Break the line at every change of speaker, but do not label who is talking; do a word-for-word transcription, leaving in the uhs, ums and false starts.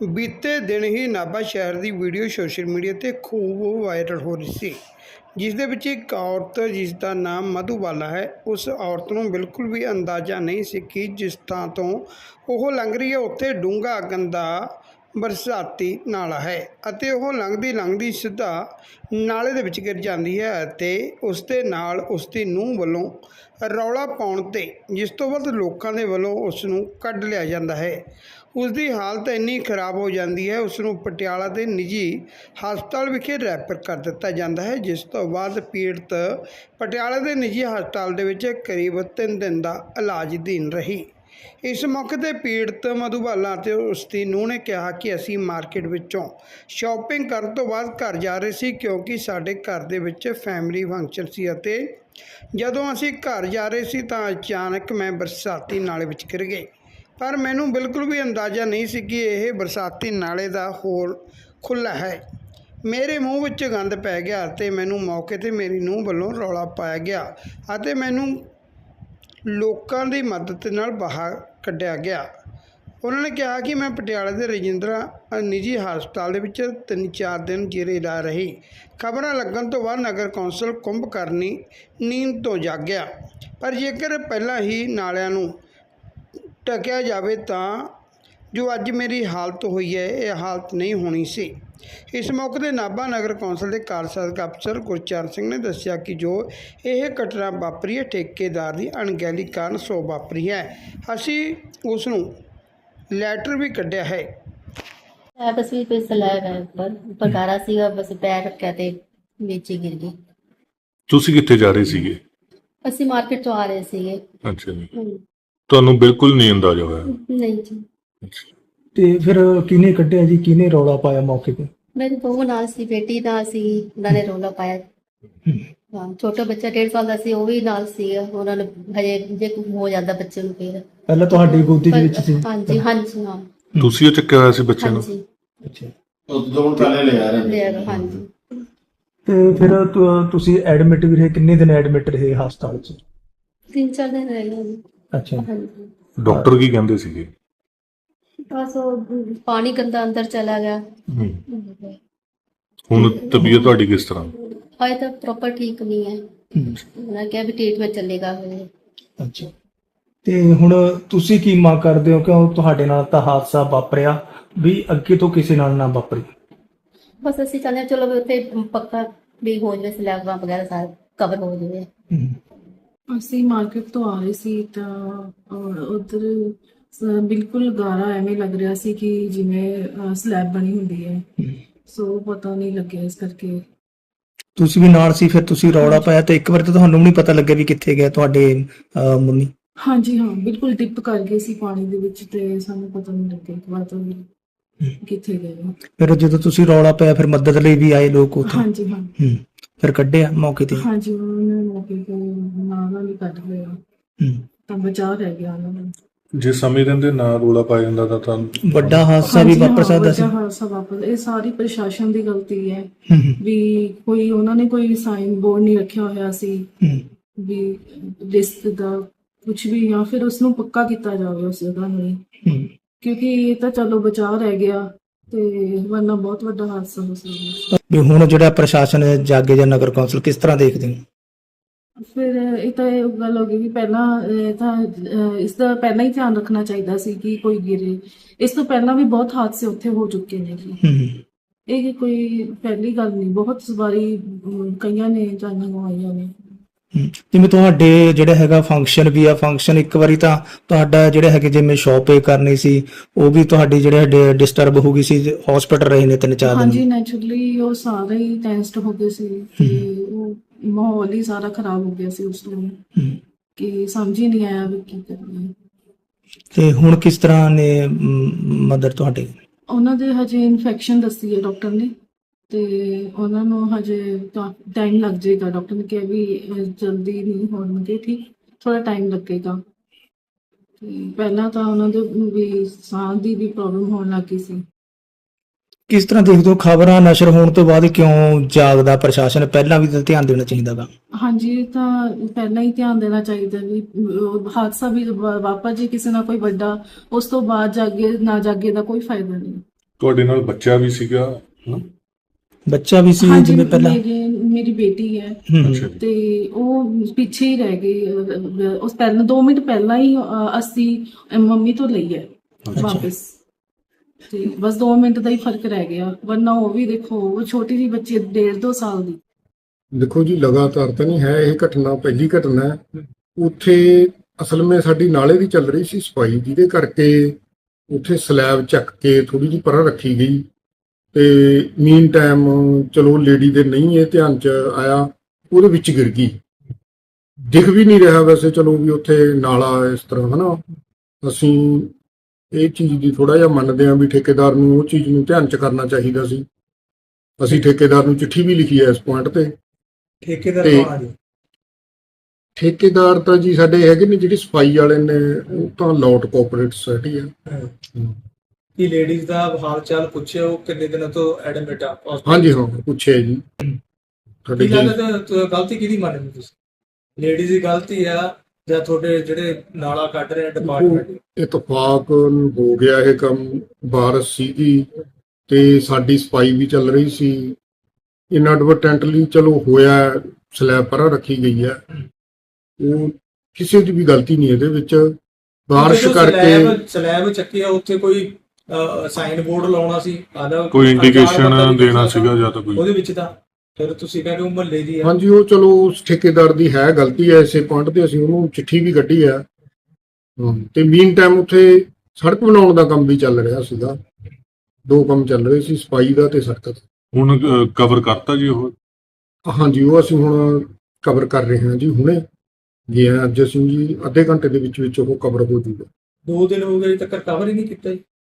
ਬੀਤੇ ਦਿਨ ਹੀ ਨਾਭਾ ਸ਼ਹਿਰ ਦੀ ਵੀਡੀਓ ਸੋਸ਼ਲ ਮੀਡੀਆ 'ਤੇ ਖੂਬ ਵਾਇਰਲ ਹੋ ਰਹੀ ਸੀ, ਜਿਸ ਦੇ ਵਿੱਚ ਇੱਕ ਔਰਤ ਜਿਸ ਦਾ ਨਾਮ ਮਧੂਬਾਲਾ ਹੈ, ਉਸ ਔਰਤ ਨੂੰ ਬਿਲਕੁਲ ਵੀ ਅੰਦਾਜ਼ਾ ਨਹੀਂ ਸੀ ਕਿ ਜਿਸ ਥਾਂ ਤੋਂ ਉਹ ਲੰਘ ਰਹੀ ਹੈ ਉੱਥੇ ਡੂੰਘਾ ਗੰਦਾ ਬਰਸਾਤੀ ਨਾਲਾ ਹੈ ਅਤੇ ਉਹ ਲੰਘਦੀ ਲੰਘਦੀ ਸਿੱਧਾ ਨਾਲੇ ਦੇ ਵਿੱਚ ਗਿਰ ਜਾਂਦੀ ਹੈ ਅਤੇ ਉਸ ਦੇ ਨਾਲ ਉਸ ਦੀ ਨੂੰਹ ਵੱਲੋਂ ਰੌਲਾ ਪਾਉਣ 'ਤੇ ਜਿਸ ਤੋਂ ਬਾਅਦ ਲੋਕਾਂ ਦੇ ਵੱਲੋਂ ਉਸ ਨੂੰ ਕੱਢ ਲਿਆ ਜਾਂਦਾ ਹੈ। ਉਸ ਦੀ ਹਾਲਤ ਇੰਨੀ ਖਰਾਬ ਹੋ ਜਾਂਦੀ ਹੈ, ਉਸ ਨੂੰ ਪਟਿਆਲਾ ਦੇ ਨਿੱਜੀ ਹਸਪਤਾਲ ਵਿਖੇ ਰੈਫਰ ਕਰ ਦਿੱਤਾ ਜਾਂਦਾ ਹੈ, ਜਿਸ ਤੋਂ ਬਾਅਦ ਪੀੜਤ ਪਟਿਆਲਾ ਦੇ ਨਿੱਜੀ ਹਸਪਤਾਲ ਦੇ ਵਿੱਚ ਕਰੀਬ ਤਿੰਨ ਦਿਨ ਦਾ ਇਲਾਜ ਅਧੀਨ ਰਹੀ। ਇਸ ਮੌਕੇ 'ਤੇ ਪੀੜਤ ਮਧੂਬਾਲਾ ਅਤੇ ਉਸ ਦੀ ਨੂੰਹ ਨੇ ਕਿਹਾ ਕਿ ਅਸੀਂ ਮਾਰਕੀਟ ਵਿੱਚੋਂ ਸ਼ਾਪਿੰਗ ਕਰਨ ਤੋਂ ਬਾਅਦ ਘਰ ਜਾ ਰਹੇ ਸੀ, ਕਿਉਂਕਿ ਸਾਡੇ ਘਰ ਦੇ ਵਿੱਚ ਫੈਮਿਲੀ ਫੰਕਸ਼ਨ ਸੀ ਅਤੇ ਜਦੋਂ ਅਸੀਂ ਘਰ ਜਾ ਰਹੇ ਸੀ ਤਾਂ ਅਚਾਨਕ ਮੈਂ ਬਰਸਾਤੀ ਨਾਲੇ ਵਿੱਚ ਗਿਰ ਗਈ। ਪਰ ਮੈਨੂੰ ਬਿਲਕੁਲ ਵੀ ਅੰਦਾਜ਼ਾ ਨਹੀਂ ਸੀ ਕਿ ਇਹ ਬਰਸਾਤੀ ਨਾਲੇ ਦਾ ਹੋਲ ਖੁੱਲ੍ਹਾ ਹੈ। ਮੇਰੇ ਮੂੰਹ ਵਿੱਚ ਗੰਦ ਪੈ ਗਿਆ ਅਤੇ ਮੈਨੂੰ ਮੌਕੇ 'ਤੇ ਮੇਰੀ ਨੂੰਹ ਵੱਲੋਂ ਰੌਲਾ ਪਾਇਆ ਗਿਆ ਅਤੇ ਮੈਨੂੰ ਲੋਕਾਂ ਦੀ ਮਦਦ ਨਾਲ ਬਾਹਰ ਕੱਢਿਆ ਗਿਆ। ਉਹਨਾਂ ਨੇ ਕਿਹਾ ਕਿ ਮੈਂ ਪਟਿਆਲਾ ਦੇ ਰਜਿੰਦਰਾ ਨਿੱਜੀ ਹਸਪਤਾਲ ਦੇ ਵਿੱਚ ਤਿੰਨ ਚਾਰ ਦਿਨ ਜੇਰੇ ਲਾ ਰਹੀ। ਖਬਰਾਂ ਲੱਗਣ ਤੋਂ ਬਾਅਦ ਨਗਰ ਕੌਂਸਲ ਕੁੰਭਕਰਨੀ ਨੀਂਦ ਤੋਂ ਜਾਗਿਆ, ਪਰ ਜੇਕਰ ਪਹਿਲਾਂ ਹੀ ਨਾਲਿਆਂ ਨੂੰ ਢਕਿਆ ਜਾਵੇ ਤਾਂ ਜੋ ਅੱਜ ਮੇਰੀ ਹਾਲਤ ਹੋਈ ਹੈ, ਇਹ ਹਾਲਤ ਨਹੀਂ ਹੋਣੀ ਸੀ। ਇਸ ਮੌਕੇ 'ਤੇ ਨਾਭਾ ਨਗਰ ਕੌਂਸਲ ਦੇ ਕਾਰਜਸਾਧਕ ਅਫਸਰ ਗੁਰਚਰਨ ਸਿੰਘ ਨੇ ਦੱਸਿਆ ਕਿ ਜੋ ਇਹ ਘਟਨਾ ਵਾਪਰੀ ਹੈ, ਠੇਕੇਦਾਰ ਦੀ ਅਣਗਹਿਲੀ ਕਾਰਨ ਸੋ ਵਾਪਰੀ ਹੈ। ਅਸੀਂ ਉਸ ਨੂੰ ਲੈਟਰ ਵੀ ਕੱਢਿਆ ਹੈ।
बस भी कोई स्लैब है ऊपर ऊपर गारा सीगा, बस पैर रखा ते नीचे गिर गई।
ਤੁਸੀਂ ਕਿੱਥੇ ਜਾ ਰਹੇ ਸੀਗੇ?
ਅਸੀਂ ਮਾਰਕੀਟ ਤੋਂ ਆ ਰਹੇ ਸੀਗੇ।
ਅੱਛਾ ਜੀ, ਤੁਹਾਨੂੰ ਬਿਲਕੁਲ ਨਹੀਂ ਅੰਦਾਜ਼ਾ ਹੋਇਆ?
ਨਹੀਂ ਜੀ।
ਅੱਛਾ,
ਤੇ ਫਿਰ ਕਿਹਨੇ ਕੱਢਿਆ ਜੀ, ਕਿਹਨੇ ਰੌਲਾ ਪਾਇਆ ਮੌਕੇ ਤੇ?
ਮੇਰੀ ਬਹੂ ਨਾਲ ਸੀ, ਬੇਟੀ ਨਾਲ ਸੀ, ਉਹਨਾਂ ਨੇ ਰੌਲਾ ਪਾਇਆ। ਹਾਂ, ਛੋਟਾ ਬੱਚਾ ਡੇਢ ਸਾਲ ਦਾ ਸੀ, ਉਹ ਵੀ ਨਾਲ ਸੀਗਾ। ਉਹਨਾਂ ਨੇ ਹਜੇ ਜੇ ਕੁਝ ਹੋ ਜਾਂਦਾ ਬੱਚੇ ਨੂੰ ਫਿਰ
ਪਹਿਲਾਂ ਤੁਹਾਡੀ ਗੋਦੀ ਦੇ ਵਿੱਚ ਸੀ?
ਹਾਂਜੀ ਹਾਂਜੀ ਹਾਂ
ਤੁਸੀਂ ਉਹ ਚੱਕਿਆ ਹੋਇਆ ਸੀ ਬੱਚੇ ਨੂੰ?
ਹਾਂਜੀ
ਅੱਛਾ,
ਉਦੋਂ ਪਹਿਲੇ ਲਿਆ ਰਹੇ
ਲਿਆ, ਹਾਂਜੀ।
ਤੇ ਫਿਰ ਤੁ- ਤੁਸੀਂ ਐਡਮਿਟ ਵੀ ਰਹੇ? ਕਿੰਨੇ ਦਿਨ ਐਡਮਿਟ ਰਹੇ ਹਸਪਤਾਲ 'ਚ?
ਤਿੰਨ ਚਾਰ ਦਿਨ ਰਹਿ ਗਏ।
ਅੱਛਾ,
ਹਾਂਜੀ,
ਡਾਕਟਰ ਕੀ ਕਹਿੰਦੇ ਸੀਗੇ?
ਬਸ ਉਹ ਪਾਣੀ ਗੰਦਾ ਅੰਦਰ ਚਲਾ ਗਿਆ।
ਹੁਣ ਤਬੀਅਤ ਤੁਹਾਡੀ ਕਿਸ ਤਰ੍ਹਾਂ?
ਹਾਏ ਤਾਂ ਪ੍ਰੋਪਰ ਠੀਕ ਨਹੀਂ ਹੈ। ਉਹਨਾਂ ਕਿਹਾ ਵੀ ਟ੍ਰੀਟਮੈਂਟ ਚੱਲੇਗਾ ਹਜੇ।
ਅੱਛਾ। ਤੇ ਹੁਣ ਤੁਸੀਂ ਕੀ ਮੰਗ ਕਰਦੇ ਹੋ ਕਿ ਤੁਹਾਡੇ ਨਾਲ ਤਾਂ ਹਾਦਸਾ ਵਾਪਰਿਆ, ਵੀ ਅੱਗੇ ਤੋਂ ਕਿਸੇ ਨਾਲ ਨਾ ਵਾਪਰੇ?
ਬਸ ਅਸੀਂ ਚਾਹੁੰਦੇ ਹਾਂ ਚਲੋ ਵੀ ਉੱਥੇ ਪੱਕਾ ਵੀ ਹੋ ਜਾਵੇ, ਸਲੈਬਾਂ ਵਗੈਰਾ ਸਾਰਾ ਕਵਰ ਹੋ ਜਾਵੇ।
ਅਸੀਂ ਮਾਰਕੀਟ ਤੋਂ ਆ ਰਹੇ ਸੀ ਤਾਂ ਉਧਰ ਬਿਲਕੁਲ ਗਾਰਾ ਐਵੇਂ ਲੱਗ ਰਿਹਾ ਸੀ ਕਿ ਜਿਵੇਂ ਸਲੈਬ ਬਣੀ ਹੁੰਦੀ ਹੈ, ਸੋ ਪਤਾ ਨਹੀਂ ਲੱਗਿਆ ਇਸ ਕਰਕੇ।
ਤੁਸੀਂ ਵੀ ਨਾਲ ਸੀ, ਫਿਰ ਤੁਸੀਂ ਰੌਲਾ ਪਾਇਆ ਤੇ ਇੱਕ ਵਾਰ ਤਾਂ ਤੁਹਾਨੂੰ ਵੀ ਨਹੀਂ ਪਤਾ ਲੱਗਿਆ ਵੀ ਕਿੱਥੇ ਗਿਆ ਤੁਹਾਡੇ ਅਹ, ਮੰਮੀ?
ਹਾਂਜੀ ਹਾਂ, ਬਿਲਕੁਲ ਡਿਪ ਕਰ ਗਏ ਸੀ ਪਾਣੀ ਦੇ ਵਿੱਚ ਤੇ ਸਾਨੂੰ ਪਤਾ ਨਹੀਂ ਲੱਗਿਆ ਇੱਕ ਵਾਰ ਤਾਂ ਵੀ ਕਿੱਥੇ ਗਏ।
ਫਿਰ ਜਦੋਂ ਤੁਸੀਂ ਰੌਲਾ ਪਾਇਆ ਫਿਰ ਮਦਦ ਲਈ ਵੀ ਆਏ ਲੋਕ ਉੱਥੇ?
ਹਾਂਜੀ ਹਾਂ।
ਹੂੰ, ਫਿਰ ਕੱਢਿਆ ਮੌਕੇ ਤੇ?
ਹਾਂਜੀ, ਉਹਨਾਂ ਨੇ ਮੌਕੇ ਤੇ ਨਾਲ ਹੀ ਕੱਢ ਲਿਆ
ਹੂੰ,
ਤਾਂ ਬਚਾਅ ਰਹਿ ਗਿਆ ਉਹਨਾਂ ਨੂੰ।
ਜੇ ਸਮੇਂ ਰਹਿੰਦੇ ਨਾ ਰੋਲਾ ਪਾਇਆ ਜਾਂਦਾ ਤਾਂ ਤੁਹਾਨੂੰ
ਵੱਡਾ ਹਾਦਸਾ ਵੀ
ਹਾਂਜੀ ਹਾਂ,
ਵਾਪਰ ਸਕਦਾ ਸੀ।
ਵੱਡਾ ਹਾਦਸਾ ਵਾਪਰ, ਇਹ ਸਾਰੀ ਪ੍ਰਸ਼ਾਸਨ ਦੀ ਗਲਤੀ ਹੈ
ਹੂੰ, ਹੂੰ,
ਵੀ ਕੋਈ ਉਹਨਾਂ ਨੇ ਕੋਈ ਸਾਈਨ ਬੋਰਡ ਨਹੀਂ ਰੱਖਿਆ ਹੋਇਆ ਸੀ
ਹੂੰ,
ਵੀ ਰਿਸਕ ਦਾ ਕੁਝ ਵੀ, ਜਾਂ ਫਿਰ ਉਸ ਨੂੰ ਪੱਕਾ ਕੀਤਾ ਜਾਵੇ ਉਸ ਜਗ੍ਹਾ ਨੂੰ,
ਹੂੰ।
ਕਿਉਂਕਿ ਇਹ ਤਾਂ ਚਲੋ ਬਚਾਅ ਰਹਿ ਗਿਆ ਤੇ ਵਰਨਾ ਬਹੁਤ ਵੱਡਾ ਹਾਦਸਾ ਹੋ ਸਕਦਾ।
ਵੀ ਹੁਣ ਜਿਹੜਾ ਪ੍ਰਸ਼ਾਸਨ ਹੈ, ਜਾਗੇ ਜਾਂ ਨਗਰ ਕੌਂਸਲ, ਕਿਸ ਤਰ੍ਹਾਂ ਦੇਖਦੇ ਹੋ?
ਫਿਰ ਇਹ ਤਾਂ ਇਹ ਗੱਲ ਹੋ ਗਈ ਵੀ ਪਹਿਲਾਂ ਇਹ ਤਾਂ ਅਹ, ਇਸ ਦਾ ਪਹਿਲਾਂ ਹੀ ਧਿਆਨ ਰੱਖਣਾ ਚਾਹੀਦਾ ਸੀ ਕਿ ਕੋਈ ਗਿਰੇ। ਇਸ ਤੋਂ ਪਹਿਲਾਂ ਵੀ ਬਹੁਤ ਹਾਦਸੇ ਉੱਥੇ ਹੋ ਚੁੱਕੇ ਨੇ ਜੀ।
ਹੂੰ,
ਇਹ ਕੋਈ ਪਹਿਲੀ ਗੱਲ ਨਹੀਂ, ਬਹੁਤ ਵਾਰੀ ਅਮ, ਕਈਆਂ ਨੇ ਜਾਨਾਂ ਗਵਾਈਆਂ ਨੇ।
ਹੂੰ। ਜਿਵੇਂ ਤੁਹਾਡੇ ਜਿਹੜਾ ਹੈਗਾ ਫੰਕਸ਼ਨ ਵੀ ਆ, ਫੰਕਸ਼ਨ ਇੱਕ ਵਾਰੀ ਤਾਂ ਤੁਹਾਡਾ ਜਿਹੜਾ ਹੈਗੇ ਜਿਵੇਂ ਸ਼ਾਪਿੰਗ ਕਰਨੀ ਸੀ, ਉਹ ਵੀ ਤੁਹਾਡੀ ਜਿਹੜਾ ਡਿਸਟਰਬ ਹੋ ਗਈ ਸੀ, ਹਸਪੀਟਲ ਰਹੇ ਨੇ ਤਿੰਨ ਚਾਰ
ਹਾਂਜੀ,
ਦਿਨ।
ਨੈਚੁਰਲੀ ਉਹ ਸਾਰੇ ਹੀ ਟੈਸਟ ਹੋ ਗਏ ਸੀ ਤੇ ਉਹ ਮਾਹੌਲ ਹੀ ਸਾਰਾ ਖਰਾਬ ਹੋ ਗਿਆ ਸੀ ਉਸ ਨੂੰ,
ਹੂੰ।
ਕਿ ਸਮਝ ਹੀ ਨਹੀਂ ਆਇਆ ਵੀ ਕੀ ਕਰਨਾ।
ਤੇ ਹੁਣ ਕਿਸ ਤਰ੍ਹਾਂ ਨੇ ਮਦਰ ਤੁਹਾਡੇ?
ਉਹਨਾਂ ਦੇ ਹਜੇ ਇਨਫੈਕਸ਼ਨ ਦੱਸੀ ਹੈ ਡਾਕਟਰ ਨੇ ਤੇ ਉਹਨਾਂ ਨੂੰ ਹਜੇ ਟਾਈਮ ਲੱਗ ਜਾਏਗਾ। ਡਾਕਟਰ ਨੇ ਕਿਹਾ ਵੀ ਅਹ, ਜਲਦੀ ਨਹੀਂ ਹੋਣਗੇ ਠੀਕ, ਥੋੜਾ ਟਾਈਮ ਲੱਗੇਗਾ। ਤੇ ਪਹਿਲਾਂ ਤਾਂ ਉਹਨਾਂ ਦੇ ਵੀ ਸਾਹ ਦੀ ਵੀ ਪ੍ਰੋਬਲਮ ਹੋਣ ਲੱਗ ਗਈ ਸੀ।
ਕਿਸ ਤਰ੍ਹਾਂ ਦੇਖਦੇ ਹੋ ਖਬਰਾਂ ਨਸ਼ਰ ਹੋਣ ਤੋਂ ਬਾਅਦ ਕਿਉਂ ਜਾਗਦਾ ਪ੍ਰਸ਼ਾਸਨ? ਪਹਿਲਾਂ ਵੀ ਤਾਂ ਧਿਆਨ ਦੇਣਾ ਚਾਹੀਦਾ ਗਾ।
ਹਾਂਜੀ, ਇਹ ਤਾਂ ਪਹਿਲਾਂ ਹੀ ਧਿਆਨ ਦੇਣਾ ਚਾਹੀਦਾ ਵੀ ਅਹ, ਹਾਦਸਾ ਵੀ ਵਾ- ਵਾਪਰ ਜੇ ਕਿਸੇ ਨਾਲ ਕੋਈ ਵੱਡਾ, ਉਸ ਤੋਂ ਬਾਅਦ ਜਾਗੇ ਨਾ ਜਾਗੇ ਦਾ ਕੋਈ ਫਾਇਦਾ ਨਹੀਂ।
ਤੁਹਾਡੇ ਨਾਲ ਬੱਚਾ ਵੀ ਸੀਗਾ ਹਨਾ?
ਬੱਚਾ ਵੀ ਸੀ
ਹਾਂਜੀ
ਜਿਵੇਂ ਪਹਿਲਾਂ
ਮੇਰੇ ਮੇਰੀ ਬੇਟੀ ਹੈ
ਹੂੰ
ਅੱਛਾ ਜੀ।
ਤੇ ਉਹ ਪਿੱਛੇ ਹੀ ਰਹਿ ਗਈ ਅਹ, ਅਹ, ਉਸ ਪਹਿਲਾਂ ਦੋ ਮਿੰਟ ਪਹਿਲਾਂ ਹੀ ਅਹ, ਅਸੀਂ ਮੰਮੀ ਤੋਂ ਲਈ ਹੈ ਵਾਪਸ ਤੇ ਬਸ ਦੋ ਮਿੰਟ ਦਾ ਹੀ ਫਰਕ ਰਹਿ ਗਿਆ ਵਰਨਾ ਉਹ ਵੀ ਦੇਖੋ ਉਹ ਛੋਟੀ ਜਿਹੀ ਬੱਚੀ ਹੈ, ਡੇਢ ਦੋ ਸਾਲ ਦੀ।
ਦੇਖੋ ਜੀ ਲਗਾਤਾਰ ਤਾਂ ਨਹੀਂ ਹੈ ਇਹ ਘਟਨਾ, ਪਹਿਲੀ ਘਟਨਾ ਹੈ। ਉੱਥੇ ਅਸਲ ਵਿੱਚ ਸਾਡੀ ਨਾਲੇ ਦੀ ਚੱਲ ਰਹੀ ਸੀ ਸਫਾਈ, ਜਿਹਦੇ ਕਰਕੇ ਉੱਥੇ ਸਲੈਬ ਚੱਕ ਕੇ ਥੋੜੀ ਜਿਹੀ ਪਰਾਂ ਰੱਖੀ ਗਈ ਤੇ ਮੀਨ ਟਾਈਮ ਚਲੋ ਲੇਡੀ ਦੇ ਨਹੀਂ ਇਹ ਧਿਆਨ ਚ ਆਇਆ, ਉਹਦੇ ਵਿੱਚ ਗਿਰ ਗਈ। ਦਿਖ ਵੀ ਨਹੀਂ ਰਿਹਾ ਵੈਸੇ ਚਲੋ ਵੀ ਉੱਥੇ ਨਾਲਾ ਇਸ ਤਰ੍ਹਾਂ ਹਨਾ। ਅਸੀਂ ਇਹ ਚੀਜ਼ ਦੀ ਥੋੜਾ ਜਿਹਾ ਮੰਨਦੇ ਹਾਂ ਵੀ ਠੇਕੇਦਾਰ ਨੂੰ ਉਹ ਚੀਜ਼ ਨੂੰ ਧਿਆਨ ਚ ਕਰਨਾ ਚਾਹੀਦਾ ਸੀ। ਅਸੀਂ ਠੇਕੇਦਾਰ ਨੂੰ ਚਿੱਠੀ ਵੀ ਲਿਖੀ ਹੈ ਇਸ ਪੁਆਇੰਟ ਤੇ।
ਠੇਕੇਦਾਰ
ਤੇ-
ਕੌਣ ਆ ਜੀ?
ਠੇਕੇਦਾਰ ਤਾਂ ਜੀ ਸਾਡੇ ਹੈਗੇ ਨੇ, ਜਿਹੜੀ ਸਫਾਈ ਵਾਲੇ ਨੇ ਉਹ ਤਾਂ ਲੋਟ ਕੋਆਪਰੇਟ ਸੁਸਾਇਟੀ ਆ।
ਕੀ ਲੇਡੀਜ਼ ਦਾ ਹਾਲ ਚਾਲ ਪੁੱਛਿਆ, ਉਹ ਕਿੰਨੇ ਦਿਨਾਂ ਤੋਂ ਐਡਮਿਟ ਆ
ਹਾਂਜੀ ਹਾਂ ਪੁੱਛਿਆ ਜੀ ਸਾਡੇ
ਕੀ
ਜੀ।
ਲੱਗਦਾ ਗਲਤੀ ਕਿਹਦੀ ਮੰਨਦੇ ਤੁਸੀਂ? ਲੇਡੀਜ਼ ਦੀ ਗਲਤੀ ਆ ਜਾਂ ਤੁਹਾਡੇ ਜਿਹੜੇ ਨਾਲਾ ਕੱਢ ਰਹੇ ਡਿਪਾਰਟਮੈਂਟ?
ਇਤਫਾਕ ਹੋ ਗਿਆ ਇਹ ਕੰਮ, ਬਾਰਿਸ਼ ਸੀਗੀ ਤੇ ਸਾਡੀ ਸਫਾਈ ਵੀ ਚੱਲ ਰਹੀ ਸੀ। ਇਨਐਡਵਰਟੈਂਟਲੀ ਚਲੋ ਹੋਇਆ, ਸਲੈਬ ਪਰਾਂ ਰੱਖੀ ਗਈ ਹੈ। ਉਹ ਕਿਸੇ ਦੀ ਵੀ ਗਲਤੀ ਨਹੀਂ ਇਹਦੇ ਵਿੱਚ, ਬਾਰਿਸ਼ ਕਰਕੇ।
ਸਲੈਬ ਚੱਕਿਆ ਉੱਥੇ ਕੋਈ ਸਾਈਨ ਬੋਰਡ ਲਾਉਣਾ ਸੀ, ਆਦਾ
ਕੋਈ ਇੰਡੀਕੇਸ਼ਨ ਦੇਣਾ ਸੀਗਾ ਜਾਂ ਤਾਂ ਕੋਈ?
ਉਹਦੇ ਵਿੱਚ ਤਾਂ ਫਿਰ ਤੁਸੀਂ ਕਹਿੰਦੇ ਹੋ ਮੁਹੱਲੇ ਦੀ ਆ।
ਹਾਂਜੀ ਉਹ ਚਲੋ ਉਸ ਠੇਕੇਦਾਰ ਦੀ ਹੈ ਗਲਤੀ ਹੈ, ਇਸੇ ਪੁਆਇੰਟ ਤੇ ਅਸੀਂ ਉਹਨੂੰ ਚਿੱਠੀ ਵੀ ਕੱਢੀ ਹੈ। ਹਮ, ਤੇ ਮੀਨ ਟਾਈਮ ਉੱਥੇ ਸੜਕ ਬਣਾਉਣ ਦਾ ਕੰਮ ਵੀ ਚੱਲ ਰਿਹਾ ਸੀਗਾ, ਦੋ ਕੰਮ ਚੱਲ ਰਹੇ ਸੀ, ਸਫਾਈ ਦਾ ਤੇ ਸੜਕ ਦਾ।
ਹੁਣ ਕਵਰ ਕਰਤਾ ਜੀ ਉਹ?
ਹਾਂਜੀ ਉਹ ਅਸੀਂ ਹੁਣ ਕਵਰ ਕਰ ਰਹੇ ਹਾਂ ਜੀ, ਹੁਣੇ ਗਏ ਹਾਂ ਅੱਜ ਅਸੀਂ ਜੀ, ਅੱਧੇ ਘੰਟੇ ਦੇ ਵਿੱਚ ਵਿੱਚ ਉਹ ਕਵਰ ਹੋ ਜੂਗਾ।
ਦੋ ਦਿਨ ਹੋ ਗਏ ਤੱਕ ਕਵਰ ਹੀ ਨਹੀਂ ਕੀਤਾ ਜੀ।